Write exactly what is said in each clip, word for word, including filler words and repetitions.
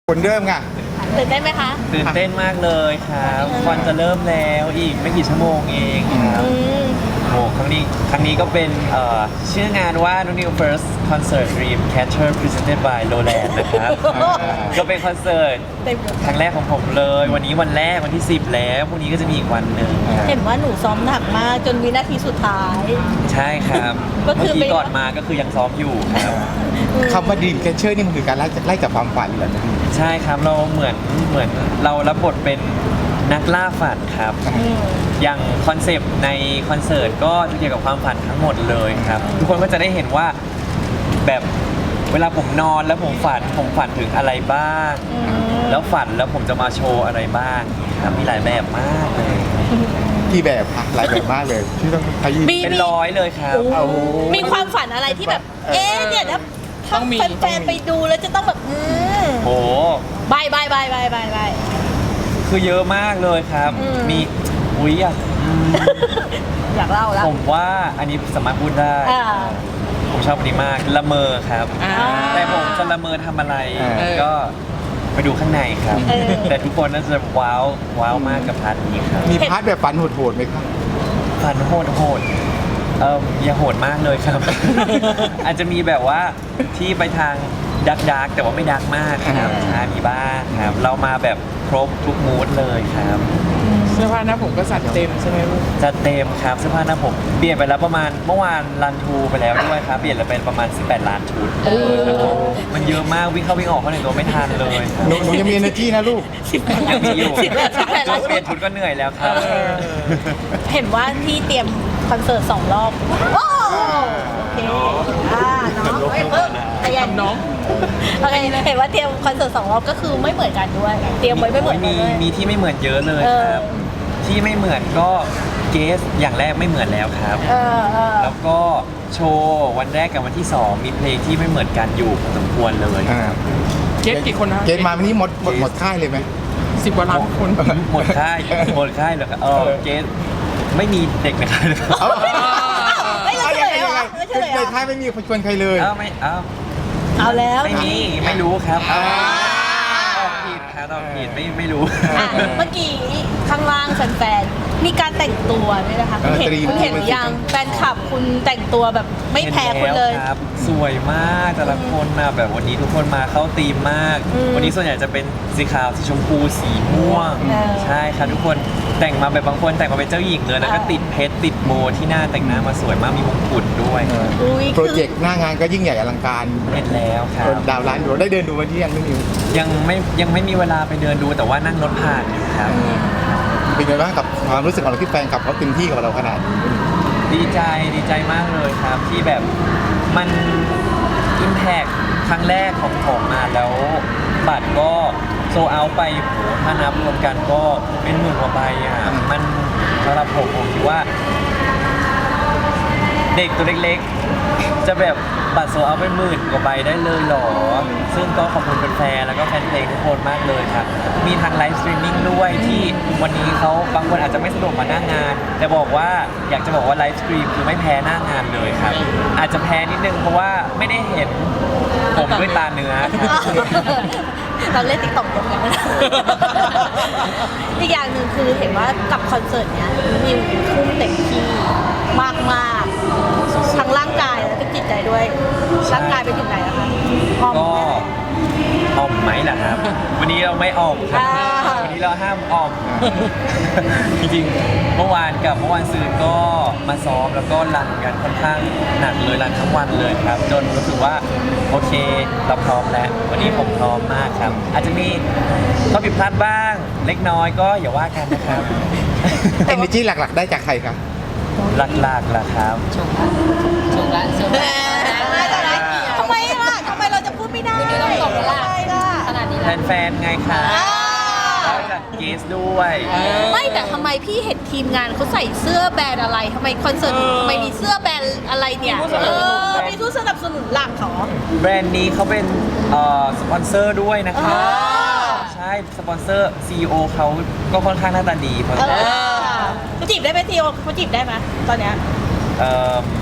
คนเริ่มไงตื่นเต้นไหมคะตื่นเต้นมากเลยครับวันจะเริ่มแล้วอีกไม่กี่ชั่วโมงเองครับโอ้ครั้งนี้ครั้งนี้ก็เป็นเอ่อชื่องานว่า New First Concert Dream Catcher Presented by Lowland นะครับ ก็เป็นคอนเสิร์ตครั้งแรกของผมเลย วันนี้วันแรกวันที่สิบแล้วพรุ่งนี้ก็จะมีอีกวันหนึ่งเห็นว่าหนูซ้อมหนักมากจนวินาทีสุดท้ายใช่ครับก็คืเมื่ออกี้ก่อนมาก็คือยังซ้อมอยู่ครับคำว่าดีมแคชเชอร์นี่มันคือการไล่ไล่กับความฝันเหรอใช่ครับเราเหมือนเหมือนเรารับบทเป็นนักล่าฝันครับ อย่างคอนเซปต์ในคอนเสิร์ตก็จะเกี่ยวกับความฝันทั้งหมดเลยครับ ทุกคนก็จะได้เห็นว่าแบบเวลาผมนอนแล้วผมฝันผมฝันถึงอะไรบ้าง แล้วฝันแล้วผมจะมาโชว์อะไรบ้างครับมีหลายแบบมากเลยกี่แบบคะหลายแบบมากเลยที่ต้องขยี้มีเป็นร้อยเลยครับโอ้โหมีความฝันอะไรที่แบบ เอ๊ะเนี่ยถ้าถ้าแฟนๆไปดูแล้วจะต้องแบบอืมโอ้บายบายบายบายบายบายคือเยอะมากเลยครับอืมมีอุ้ยอยากอืมอยากเล่าแล้วผมว่าอันนี้สามารถพูดได้อ่าผมชอบอันนี้มากละเมอครับอ่าแต่ผมจะละเมอทำอะไรเออก็ไปดูข้างในครับเออแต่ทุกคนน่าจะว้าวว้าวมากกับพาร์ทนี้ครับมีพาร์ทแบบฝันโหดๆไหมครับฝันโหดโหดเอออย่าโหดมากเลยครับ อาจจะมีแบบว่าที่ไปทางดักดักแต่ว่าไม่ดักมากครับอ่าใช่มีบ้างครับ เรามาแบบครบทุกมูดเลยครับเสื้อผ้าหน้าผมก็สัดเต็มใช่ไหมลูกจะเต็มครับเสื้อผ้าหน้าผมเปลี่ยนไปแล้วประมาณเมื่อวานรันทูไปแล้วด้วยครับเปลี่ยนแล้วเป็นประมาณสิบแปดล้านชุดมันเยอะมากวิ่งเข้าวิ่งออกเข้าในตัวไม่ทันเลยครับหนูหนูยังมี energy นะลูกสิบแปดยังมีอยู่สิบแปดสิบแปดจนเปลี่ยนชุดก็เหนื่อยแล้วครับเห็นว่าที่เตรียมคอนเสิร์ตสองรอบโอ้โอเคอ่าน้องเพิ่มขยันน้องโอเคเห็นว่าเตรียมคอนเสิร์ตสองรอบก็คือไม่เหมือนกันด้วย เตรียมไว้ไม่เหมือนกันมีด้วยมีที่ไม่เหมือนเยอะเลยเออครับ ที่ไม่เหมือนก็เกสอย่างแรกไม่เหมือนแล้วครับเออเออแล้วก็โชว์วันแรกกับวันที่สองมีเพลงที่ไม่เหมือนกันอยู่พอสมควรเลยอ่าเกสกี่คนนะเกณฑ์มาวันนี้หมดหมดหมดค่ายเลยไหมสิบกว่าล้านคนหมดค่ายหมดค่ายเลยครับเออเกสไม่มีเด็กในค่ายเลยเอาไม่เราเฉลยเหรอไม่เฉลยเหรในอค่ายไม่มีคนชวนใครเลยเอ้าไม่เอ้าเอาแล้วไม่มีไม่รู้ครับอ่าตอบผิดครับตอบผิดไม่ไม่รู้อ่ะเมื่อกี้ข้างล่างแฟนๆมีการแต่งตัวด้วยนะคะคุณเห็นเออตรีมคุณเห็นหรือยังแฟนคลับคุณแต่งตัวแบบไม่แพ้คุณเลยห็นแวครับ สวยมากแต่ละคนนะแบบวันนี้ทุกคนมาเข้าธีมมากอืมวันนี้ส่วนใหญ่จะเป็นสีขาวสีชมพูสีม่วงเออใช่ครับทุกคนแต่งมาแบบบางคนแต่งมาเป็นเจ้าหญิงเลยแล้วก็เออติดเพชรติดโบที่หน้าแต่งหน้ามาสวยมากมีมงกุฎด้วยอุ้ยโปรคือเจกต์หน้างานก็ยิ่งใหญ่อลังการเห็นแล้วครับดาวร้านดูได้เดินดูวันที่ยังไม่มียังไม่ยังไม่มีเวลาไปเดินดูแต่ว่านั่งรถผ่านอยู่ครับเป็นไงบ้างกับความรู้สึกของเราที่แฟนคลับเขาเต็มที่กับเราขนาดนี้ดีใจดีใจมากเลยครับ ที่แบบมันอิมแพคครั้งแรกของผมมาแล้วบัตรก็โซเอาไปโหถ้านับรวมกันก็เป็นหมื่นกว่าใบอ่ะมันสำหรับผมผมคิดว่า เด็กตัวเล็กๆ จะแบบบัตรโซเอาไปหมื่นกว่าใบได้เลยเหรอ ซึ่งก็ขอบคุณแฟนๆแล้วก็แฟนเพลงทุกคนมากเลยครับ มีทางไลฟ์สตรีมมิ่งด้วยที่วันนี้เขาบางคนอาจจะไม่สะดวกมาหน้างาน แต่บอกว่าอยากจะบอกว่าไลฟ์สตรีมคือไม่แพ้หน้างานเลยครับ อาจจะแพ้นิดนึงเพราะว่าไม่ได้เห็นผมด้วยตาเนื้อครับเราเล่นติ๊กต็อกกันนะอีกอย่างหนึ่งคือเห็นว่ากับคอนเสิร์ตเนี้ยมิวทุ่มเต็มที่มากมากๆทั้งร่างกายและทั้งจิตใจด้วย ร่างกายไปถึงไหนแล้วคะพร้อมก็ไหมออมไหมล่ะครับ วันนี้เราไม่ออมครับอ่าวันนี้เราห้ามออม จริงๆ เมื่อวานกับเมื่อวานซืนก็มาซ้อมแล้วก็รันกันค่อนข้างหนักเลยรันทั้งวันเลยครับ จนรู้สึกว่าโอเคเราพร้อมแล้ว วันนี้ผมพร้อมมากครับ อาจจะมีข้อผิดพลาดบ้าง เล็กน้อยก็อย่าว่ากันนะครับเอเนจีหลักๆ ได้จากใครครับหลักๆล่ะครับถูกละถูกแหมละทำไมล่ะทำไมเราจะพูดไม่ได้วันนี้ต้องตกแล้วล่ะทำไมล่ะขนาดนี้แล้วแฟนๆไงครับอ่าแล้วจากเกสด้วยไม่แต่ทำไมพี่เห็นทีมงานเขาใส่เสื้อแบรนด์อะไรทำไมคอนเสิร์ตทำไมมีเสื้อแบรนด์อะไรเนี่ยเออมีผู้สนับสนุนหลักเหรอแบรนด์นี้เขาเป็นเอ่อสปอนเซอร์ด้วยนะครับอ่าใช่ สปอนเซอร์ ซี อี โอ เขาก็ค่อนข้างหน้าตาดีพอสเอมควรอเขาจีบได้ไหมทีโอเขาจีบได้ไหมตอนเนี้ยเอ่อ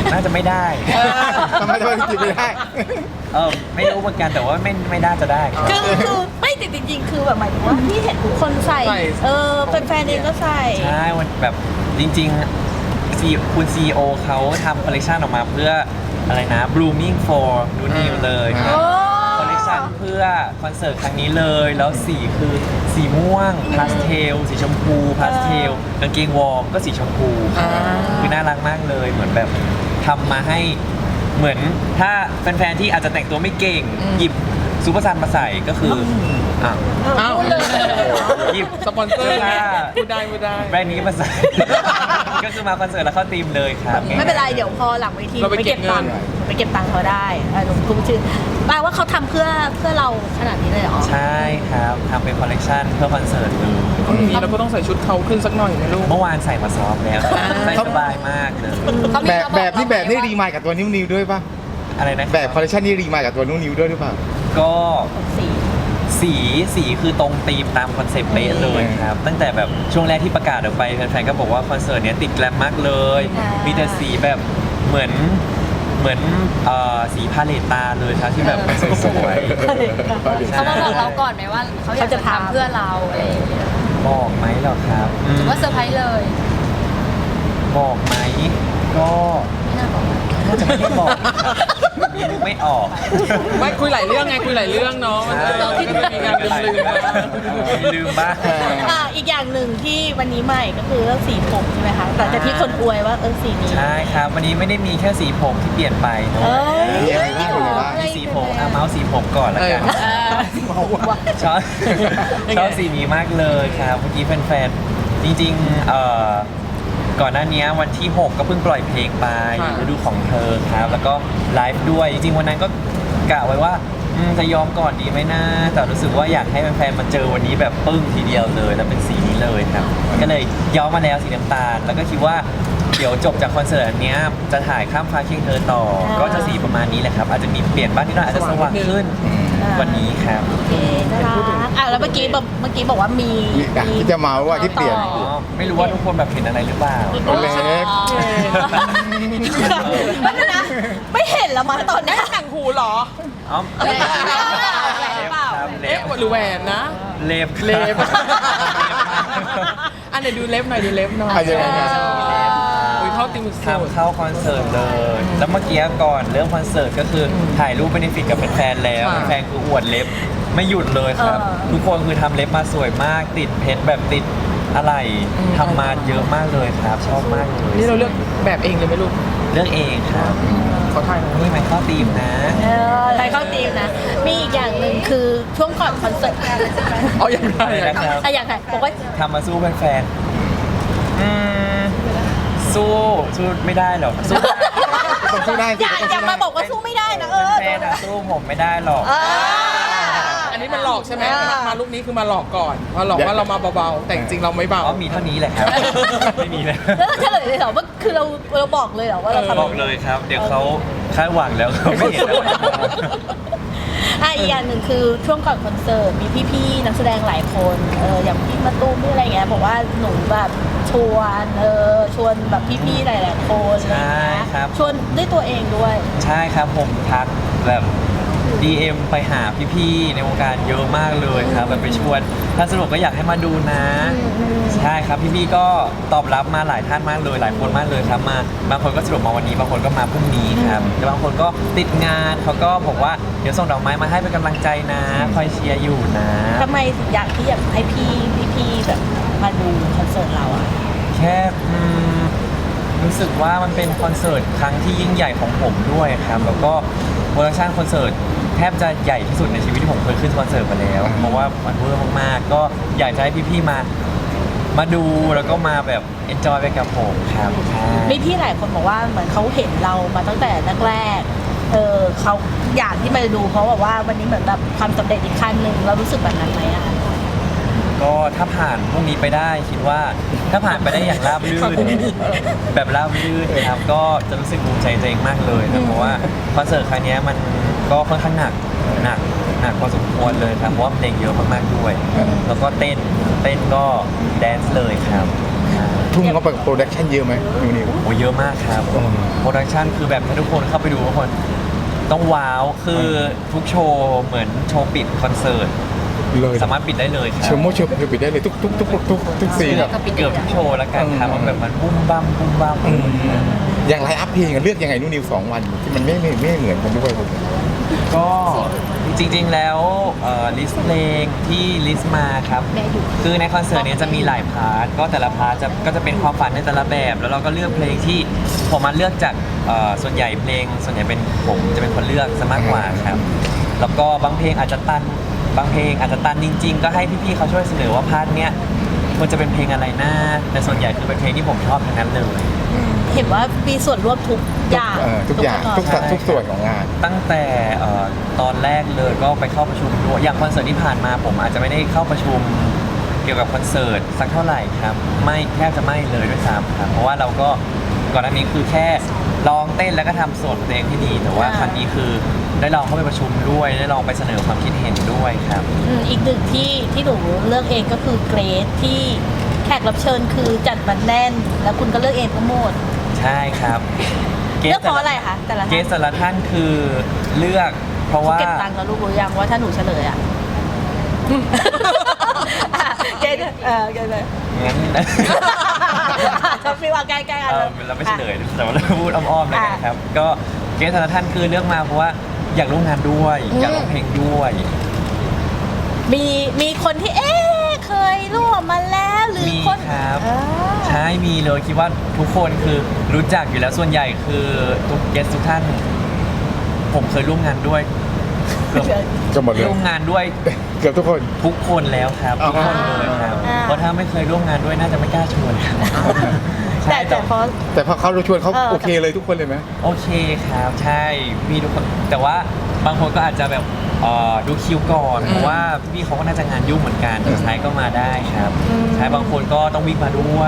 น่าจะไม่ได้ทำไมทำไมถึงจีบไม่ได้เออไม่รู้เหมือนกันแต่ว่าไม่ไม่น่าจะได้ครับคือคือไม่ติดจริงๆ คือแบบหมายถึงว่าที่เห็นทุกคนใส่ใส่เออแฟนๆเองก็ใส่ใช่มันแบบจริงๆซีคุณซีโอเขาทำคอลเลคชันออกมาเพื่ออะไรนะ blooming for new new เลยครับโอ้คอลเลคชันเพื่อคอนเสิร์ตครั้งนี้เลย แล้วสีคือสีม่วงพาสเทลสีชมพูพาสเทลกางเกงวอร์มก็สีชมพูอ่าคือน่ารักมากเลยเหมือนแบบทำมาให้เหมือนถ้าแฟนๆที่อาจจะแต่งตัวไม่เก่ง หยิบซูเปอร์ซันมาใส่ก็คืออ่ะอ้าวหยิบสปอนเซอร์ไงพูดได้พูดได้แบรนด์นี้มาใส่ ก็คือมาคอนเสิร์ตแล้วเข้าทีมเลยครับไม่เป็นไร เดี๋ยวพอหลังเวทีเราไปเก็บตังค์เงินไปเก็บตังค์เขาได้เออหนุ่มคุ้มชื่อแปลว่าเขาทำเพื่อเพื่อเราขนาดนี้เลยเหรอใช่ครับทำเป็นคอลเลกชันเพื่อคอนเสิร์ตเลยบางทีเราก็ต้องใส่ชุดเขาขึ้นสักหน่อยนะลูกเมื่อวานใส่มาซ้อมแล้วใส่สบายมากเลยเขามีแบบระแบบนี่แบบนี่เารีมายกับตัวนิ้วนิ้วด้วยป่ะอะไรนะแบบคอลเลคชันนี่รีมายกับตัวนิ้วนิ้วด้วยหรือเปล่าก็สีสีสีคือตรงธีมตามคอนเซปต์เป๊ะเลยครับ ตั้งแต่แบบช่วงแรกที่ประกาศออกไปแฟนๆก็บอกว่าคอนเสิร์ตเนี้ยติดแกลมมากเลย มีแต่สีแบบเหมือนเหมือนเอ่อสีพาเลตตาเลยครับที่แบบสวยๆเขามาบอกเราก่อนไหมว่าเขาอยากจะทำเพื่อเราอะไรอย่างเงี้ยบอกไหมเหรอครับอืหมรือว่าเซอร์ไพรส์เลยบอกไหมก็ไม่น่าบอกน่าจะไม่ได้บอกครับยังนึกไม่ออกไม่คุยหลายเรื่องไงคุยหลายเรื่องเนาะมันก็ต้องมีงานลืมๆบ้างมีลืมบ้างอ่าอีกอย่างหนึ่งที่วันนี้ใหม่ก็คือเรื่องสีผมใช่ไหมคะแต่แต่ที่คนอวยว่าเออสีนี้ใช่ครับ วันนี้ไม่ได้มีแค่สีผมที่เปลี่ยนไปเนเออะ้ยมีอะไรบ้างมีอะไรบ้างมีสีผมอ่ะเมาส์สีผมก่อนละกันเออชอบชอบสีนี้มากเลยครับเมื่อกี้แฟนๆจริงๆเอ่อก่อนหน้านี้วันที่ หก ก็เพิ่งปล่อยเพลงไปค่ะฤดูของเธอครับ แล้วก็ไลฟ์ด้วยจริงๆวันนั้นก็กะไว้ว่าอืมจะยอมก่อนดีไหมนะแต่รู้สึกว่าอยากให้แฟนๆมาเจอวันนี้แบบปึ้งทีเดียวเลย แล้วเป็นสีนี้เลยครับ ก็เลยย้อมมาแล้วสีน้ำตาล แล้วก็คิดว่าเดี๋ยวจบจากคอนเสิร์ตอันเนี้ยจะถ่ายข้ามฟ้าเคียงเธอต่อ ก็จะสีประมาณนี้แหละครับ อาจจะมีเปลี่ยนบ้างนิดหน่อยอาจจะสว่างขึ้นวันนี้ครับโอเคน่ารักอ่ะแล้วเมื่อกี้บอกเมื่อกี้บอกว่ามีมีอ่ะที่จะเมาว่าที่เปลี่ยนอ๋อไม่รู้ว่าทุกคนแบบเห็นอะไรหรือเปล่าตัวเล็กไม่เป็นนะไม่เห็นแล้วมาตอนนี้ต่างหูเหรออ๋อเล็บเล็บครับเล็เอ๊ะบหรือแหวนนะเล็บเล็บ อันไหนดูเล็บหน่อยดูเล็บหน่อยอ่ะยังไงนะอุ้ยเข้าติมสุดทำเข้าคอนเสิร์ตเลย แล้วเมื่อกี้ก่อนเรื่องคอนเสิร์ตก็คือถ่ายรูปเบนฟิตกับแฟนๆแล้วค่ะแฟนๆคืออวดเล็บไม่หยุดเลยครับ ทุกคนคือทำเล็บมาสวยมาก ติดเพชรแบบติดอะไรทำมาเยอะมากเลยครับ ชอบมากเลยนี่เราเลือกแบบเองเลยไหมลูกเรื่องเองครับขอถ่ายหน่อยนี่มันเข้าธีมนะเออไปเข้าทีมนะ มีอีกอย่างหนึ่งคือช่วงก่อนคอนเสิร์ตเอาอย่างไรอะไรนะครับอะอย่างไรบอกว่าทำมาสู้แฟนๆอืมสู้สู้ไม่ได้หรอกสู้ต้องสู้ได้อย่าอย่ามาบอกว่าสู้ไม่ได้นะเออแฟนๆอะสู้ผมไม่ได้หรอกเอออันนี้มันหลอกใช่ไหมอ่ามาลูกนี้คือมาหลอกก่อนมาหลอกว่าเรามาเบาๆ แต่จริงๆเราไม่เบาอ๋อมีเท่านี้แหละครับ ไม่มีแล้วแล้วเฉลยเลยเหรอว่าคือเราเราบอกเลยเหรอว่าเราทำบอกเลยครับ เดี๋ยวเขาคาดหวังแล้วเขาไม่เห็นแล้วอ่ะอีกอย่างหนึ่งคือช่วงก่อนคอนเสิร์ตมีพี่ๆนักแสดงหลายคนเอออย่างพี่มาตูมพี่อะไรเงี้ยบอกว่าหนูแบบชวนเออชวนแบบพี่ๆหลายๆคนอะไรใช่เงี้ยครับชวนด้วยตัวเองด้วยใช่ครับผมทักแบบ ดี เอ็ม ไปหาพี่ๆในวงการเยอะมากเลยครับแบบไปชวนถ้าสนุกก็อยากให้มาดูนะ ใช่ครับพี่ๆก็ตอบรับมาหลายท่านมากเลยหลายคนมากเลยครับมาบางคนก็สรุปมาวันนี้บางคนก็มาพรุ่งนี้ครับแต่บางคนก็ติดงานเขาก็บอกว่าเดี๋ยวส่งดอกไม้มาให้เป็นกำลังใจนะคอยเชียร์อยู่นะทำไมถึงอยากที่อยากให้พี่พี่ๆแบบมาดูคอนเสิร์ตเราอ่ะแค่อืมรู้สึกว่ามันเป็นคอนเสิร์ตครั้งที่ยิ่งใหญ่ของผมด้วยครับแล้วก็โปรดักชันคอนเสิร์ตแทบจะใหญ่ที่สุดในชีวิตที่ผมเคยขึ้นคอนเสิร์ตมาแล้วเพราะว่ามันเวอร์มากๆก็อยากจะให้พี่ๆมา มาดูแล้วก็มาแบบเอนจอยไปกับผมครับใช่มีพี่หลายคนบอกว่าเหมือนเขาเห็นเรามาตั้งแต่แรกๆเออเขาอยากที่มาดูเพราะแบบว่าวันนี้เหมือนแบบความสำเร็จอีกขั้นหนึ่งเรารู้สึกแบบนั้นไหมอะก็ถ้าผ่านพรุ่งนี้ไปได้คิดว่าถ้าผ่านไปได้อย่างราบรื่นแบบราบรื่นนะครับก็จะรู้สึกภูมิใจตัวเองมากเลยนะเพราะว่าคอนเสิร์ตครั้งเนี้ยมันก็ค่อนข้างหนักหนักหนักพอสมควรเลยครับเพราะว่าเพลงเยอะมากๆด้วย แล้วก็เต้นเต้นก็แดนซ์เลยครับทุ่มเข้าไปกับโปรดักชั่นเยอะไหมนิวนิวโอ้เยอะมากครับอืมโปรดักชันคือแบบถ้าทุกคนเข้าไปดูทุกคนต้องว้าวคือทุกโชว์เหมือนโชว์ปิดคอนเสิร์ตเลยสามารถปิดได้เลยครัเชิญโมเชิญเชิญปิดได้เลยทุกทุกทุกทุกทุกทุกซีนอะเกือบทุกโชว์แล้วกันครับอืมมันแบบมันบุ้มบ้ามบุ้มบ้ามอืมอย่างไลน์อัพเพลงอะเลือกยังไงนิวนิวสองวันที่มันไม่ไม่ไม่เหมือนกันด้วยก็จริงๆแล้วลิสต์เพลงที่ลิสต์มาครับคือในคอนเสิร์ตเนี้ยจะมีหลายพาร์ทก็แต่ละพาร์ทจะก็จะเป็นความฝันในแต่ละแบบ แล้วเราก็เลือกเพลงที่ผมมาเลือกจากเอ่อส่วนใหญ่เพลง ส่วนใหญ่เป็นผมจะเป็นคนเลือกซะมากกว่าครับ แล้วก็บางเพลงอาจจะตันบางเพลงอาจจะตันจริง ๆ ก็ให้พี่ๆเขาช่วยเสนอว่าพาร์ทเนี้ยควรจะเป็นเพลงอะไรนะแต่ส่วนใหญ่คือเป็นเพลงที่ผมชอบทั้งนั้นเลยเห็นว่ามีส่วนร่วมทุกอย่างเออทุกอย่างทุกสัดทุกส่วนของงานตั้งแต่เอ่อตอนแรกเลยก็ไปเข้าประชุมด้วยอย่างคอนเสิร์ตที่ผ่านมาผมอาจจะไม่ได้เข้าประชุมเกี่ยวกับคอนเสิร์ตสักเท่าไหร่ครับไม่แทบจะไม่เลยด้วยซ้ำครับเพราะว่าเราก็ก่อนหน้านี้คือแค่ร้องเต้นแล้วก็ทำส่วนเพลงที่ดี แต่ว่าครั้งนี้คือได้ลองเข้าไปประชุมด้วยได้ลองไปเสนอความคิดเห็นด้วยครับอืมอีกหนึ่งที่ที่หนูเลือกเองก็คือเกรดที่แขกรับเชิญคือจัดมันแน่น แล้วคุณก็เลือกเองทั้งหมดใช่ครับเลือกเพราะอะไรคะแต่ละเกท่านสแต่ละท่านคือเลือกเพราะเขาว่าเก็บตังค์กับลูกรู้ยังว่าถ้าหนูเฉลยอ่ะ อ่ะเกดเออเกดเลยงั้นชอบฟีว่าใกล้ๆกันเอเลอย เราไม่เฉลยแต่ว่าเราพูดอ้อมๆแล้วกันครับ ก็เกสแต่ละท่านคือเลือกมาเพราะว่าอยากร่วมงานด้วย อยากร้องเพลงด้วยมีมีคนที่เอ๊ะเคยร่วมมาแล้วหรือมีคนครับอ่าใช่มีเลยคิดว่าทุกคนคือรู้จักอยู่แล้วส่วนใหญ่คือทุกเกสทุกท่าน ผมเคยร่วมงานด้วยเกือบก็หมดเลยร่วมงานด้วยเกือบทุกคนทุกคนแล้วครับอ๋อทุกคนเลยครับเพราะถ้าไม่เคยร่วมงานด้วยน่าจะไม่กล้าชวนครับแต่ใช่แต่พอแต่พอเขาชวนเขาเออโอเคเลยทุกคนเลยไหมโอเคครับใช่มีทุกคนแต่ว่าบางคนก็อาจจะแบบเอ่อดูคิวก่อนเพราะว่าพี่เขาก็น่าจะงานยุ่งเหมือนกันสุดท้ายก็มาได้ครับใช่บางคนก็ต้องวิ่งมาด้วย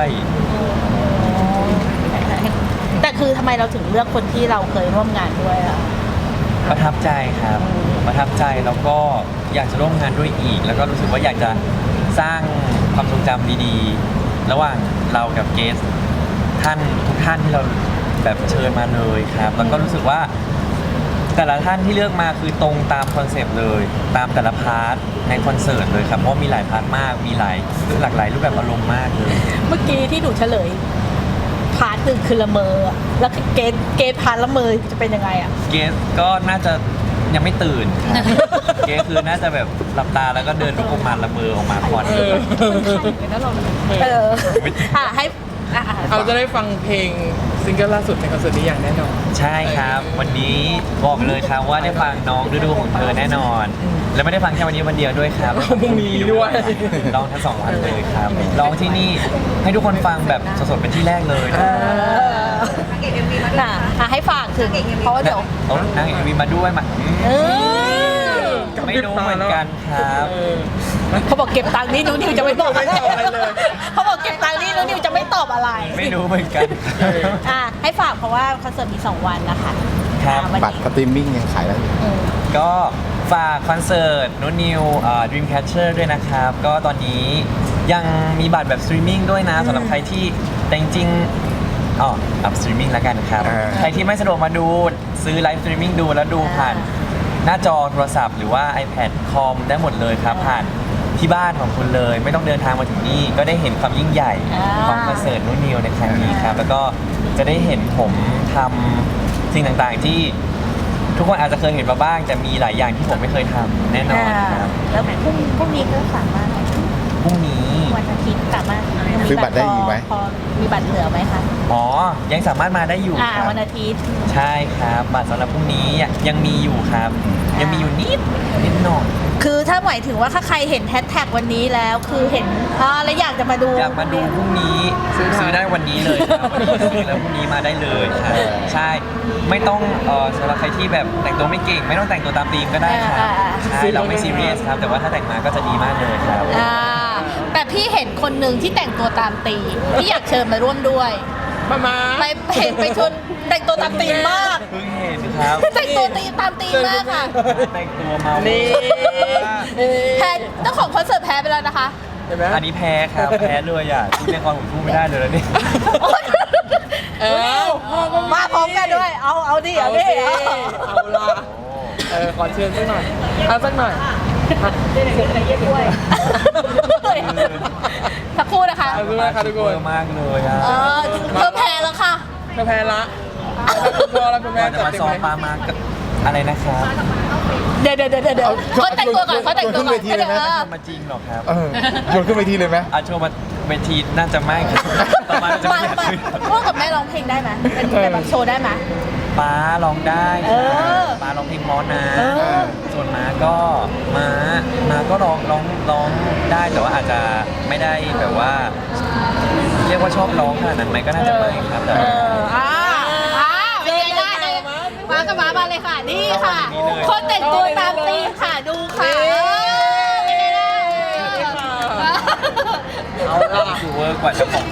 แต่คือทำไมเราถึงเลือกคนที่เราเคยร่วมงานด้วยอ่ะประทับใจครับ ประทับใจแล้วก็อยากจะร่วมงานด้วยอีก แล้วก็รู้สึกว่าอยากจะสร้างความทรงจำดีๆ ระหว่างเรากับเกสท่านทุกท่านที่เราแบบเชิญมาเลยครับ แล้วก็รู้สึกว่า แต่ละท่านที่เลือกมาคือตรงตามคอนเซปต์เลย ตามแต่ละพาร์ทในคอนเสิร์ตเลยครับเพราะว่ามีหลายพาร์ทมากมีหลายหลากหลายรูปแบบอารมณ์มากเลยเมื่อกี้ที่หนูเฉลยพาร์ทหนึ่งคือละเมออะแล้วเกตเกตพาร์ทละเมอจะเป็นยังไงอ่ะเกสก็น่าจะยังไม่ตื่นครับ เกสคือน่าจะแบบหลับตาแล้วก็เดินลุกออกมาละเมอออกมาควันเลยเอออ่ะให้อ่ะอ่ะเราจะได้ฟังเพลงซิงเกิลล่าสุดในคอนเสิร์ตนี้อย่างแน่นอนใช่ครับ วันนี้บอกเลยครับว่าได้ฟังน้องฤดูของเธอแน่นอน และไม่ได้ฟังแค่วันนี้วันเดียวด้วยครับพรุ่งนี้ด้วยร้องทั้งสองวันเลยครับร้องที่นี่ให้ทุกคนฟังแบบสดๆเป็นที่แรกเลยเอออ่ะอ่ะให้ฝากถึงเพราะว่าเดี๋ยวเอานางเอกวีมาด้วยมาเออไม่รู้เหมือนกันครับเออเขาบอกเก็บตังค์นี่หนูนิวจะไม่ตอบอะไรไม่ตอบอะไรเลยเขาบอกเก็บตังค์นี่หนูนิวจะไม่ตอบอะไรไม่รู้เหมือนกันอ่ะให้ฝากเพราะว่าคอนเสิร์ตมีสองวันนะคะครับอ่ะวันบัตรนี้สตรีมมิ่งยังขายได้อยู่อืมก็ฝากคอนเสิร์ตนุนิวเอ่อ Dreamcatcher ด้วยนะครับ ก็ตอนนี้ยังมีบัตรแบบสตรีมมิ่งด้วยนะสำหรับใครที่แต่จริงๆอ๋ออัพสตรีมมิ่งแล้วกันครับอ่าใครที่ไม่สะดวกมาดูซื้อไลฟ์สตรีมมิ่งดูแล้วดูผ่านหน้าจอโทรศัพท์หรือว่า iPad คอมได้หมดเลยครับ ผ่านที่บ้านของคุณเลย ไม่ต้องเดินทางมาถึงนี่ก็ได้เห็นความยิ่งใหญ่ของคอนเสิร์ตนุนิวในครั้งนี้ครับ แล้วก็จะได้เห็นผมทำสิ่งต่างๆที่ ทุกคนอาจจะเคยเห็นมาบ้างแต่มีหลายอย่างที่ผมไม่เคยทำแน่นอนครับแล้วพรุ่งพรุ่งนี้ก็สามารถพรุ่งนี้วันอาทิตย์สามารถซื้อบัตรได้อีกไหมพอมีบัตรเหลือไหมคะอ๋อ ยังสามารถมาได้อยู่อ่าครับวันอาทิตย์ใช่ครับ บัตรสำหรับพรุ่งนี้ยังมีอยู่ครับอ่ายัยังมีอยู่นิดนิดหน่อยคือถ้าหมายถึงว่าถ้าใครเห็นแฮชแท็กวันนี้แล้วคือเห็นอ่าแล้วอยากจะมาดูอยากมาดูพรุ่งนี้ซื้อได้ซื้อได้วันนี้เลยครับวันนี้ซื้อแล้วพรุ่งนี้มาได้เลยครับใช่ไม่ต้องเอ่อสำหรับใครที่แบบแต่งตัวไม่เก่ง ไม่ต้องแต่งตัวตามธีมก็ได้ครับอ่าอ่าใช่เราไม่ซีเรียสครับ แต่ว่าถ้าแต่งมาก็จะดีมากเลยครับอ่าแต่พี่เห็นคนหนึ่งที่แต่งตัวตามตีมพี่อยากเชิญมาร่วมด้วยมามาไปเห็นไปชนแต่งตัวตามตีมมากเพิ่งเห็นครับแต่งตัวตีมตามตีมมากค่ะแต่งตัวเมานี่แพ้เจ้าของคอนเสิร์ตแพ้ไปแล้วนะคะเห็นไหมอันนี้แพ้ครับ แพ้เลยอ่ะที่ในคอนผมสู้ไม่ได้เลยแล้วนี่เออมาพร้อมกันด้วย เอาเอาดิเอาเอาดิสิเอาละเออขอเชิญสักหน่อยเอาสักหน่อยสักครู่นะคะเอาสักหน่อยค่ะทุกคนเยอะมากเลยอ่ะเออเธอแพ้แล้วค่ะเธอแพ้ละคุณพ่อและคุณแม่ก่อนจะจัดมาเต็มซ้อมไหมปลามากับอะไรนะครับเดี๋ยวเดี๋ยวเดี๋ยวเดี๋ยวเขาแต่งตัวก่อนเขาแต่งตัวก่อนขึ้นเวทีเลยไหมเออมาจริงเหรอครับเออโยนขึ้นไปทีเลยไหมอาโชว์มาเวทีน่าจะไม่ครับต่อมาน่าจะมาไม่อยากมาขึ้นพ่อกับแม่ร้องเพลงได้ไหมเป็นเป็นแบบโชว์ได้ไหมป้าร้องได้เอค่ะอป้าร้องเพลงมอสนะเออส่วนม้าก็ม้าม้าก็ร้องร้องร้องได้แต่ว่าอาจจะไม่ได้แบบว่า เรียกว่าชอบร้องขนาดนั้นไหมก็น่าจะไม่ครับแต่เอออ่าอ่าเป็นไงได้เลยมากับมามาเลยค่ะ นี่ค่ะ คนแต่งตัวตามตีมค่ะ ดูค่ะเออเป็นไงล่ะเอาละดูเวอร์กว่าเจ้าของ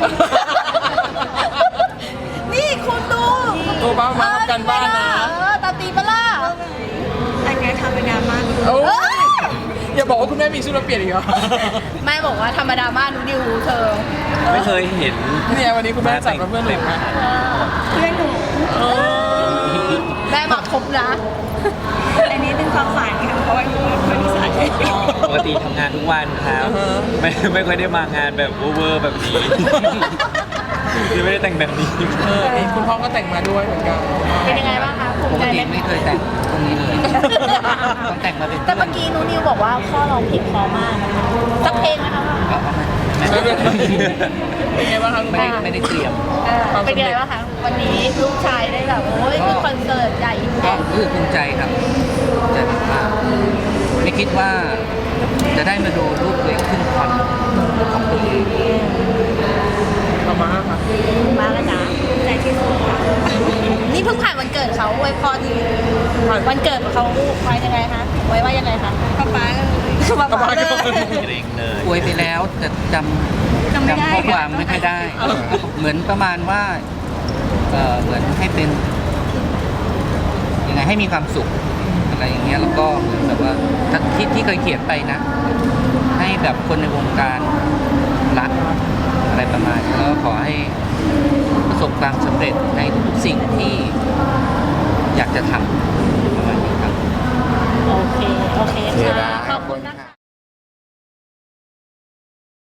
นี่คุณดูตัวบ้ามาทำกันบ้านนะเออตามตีมปะล่ะอันนี้ทำเป็นดราม่าโอ้ยอย่าบอกว่าคุณแม่มีชุดมาเปลี่ยนอีกเหรอแม่บอกว่าธรรมดามากหนูดิวเธอไม่เคยเห็นเนี่ยวันนี้คุณแม่จัดมาเพื่อนหนูนะเพื่อนหนูเออแม่มาครบนะอันนี้เป็นความฝันค่ะเพราะว่าอยู่บริษัทปกติทำงานทุกวันครับไม่ไม่ค่อยได้มางานแบบเวอร์ๆแบบนี้คือไม่ได้แต่งแบบนี้เออนี่คุณพ่อก็แต่งมาด้วยเหมือนกันเป็นยังไงบ้างคะภูปมิกใจติไหมไม่เคยแต่งตรงนี้เลย ต้องแต่งมาเป็นแต่เมื่อกี้หนูนิวบอกว่าพ่อร้องเพลงเพอมากนะคะสักเพลงนะคะก็ไม่ไม่เป็นไรเป็นไงบ้างครับคุณไม่แม่ได้ไม่ได้เตรียมเออเป็นยังไงบ้างคะวันนี้ลูกชายได้แบบโอ้ยคือคอนเสิร์ตใหญ่ก็รู้สึกภูมิใจครับภูมิใจมากๆไม่คิดว่าจะได้มาดูลูกตัวเองขึ้นคอนของตัวเองเอามาครับมากเลยนะใจที่สุดค่ะนี่เพิ่งผ่านวันเกิดเขาอวยพรวันเกิดเขาไว้ยังไงคะไว้ว่ายังไงคะป๊าป๊าเลยมาบอกเลยเกรงเลยอวยไปแล้วแต่จำจำไม่ได้จำข้อความไม่ค่อยได้ เหมือนประมาณว่าเออเหมือนให้เป็นยังไงให้มีความสุขอะไรอย่างเงี้ยแล้วก็เหมือนแบบว่าที่ที่เคยเขียนไปนะ ให้แบบคนในวงการรักอะไรประมาณนี้แล้วก็ขอให้ประสบความสำเร็จในทุกๆสิ่งที่อยากจะทำประมาณนี้ครับโอเค โอเคโอเคค่ะนะขอบคุณนะคะ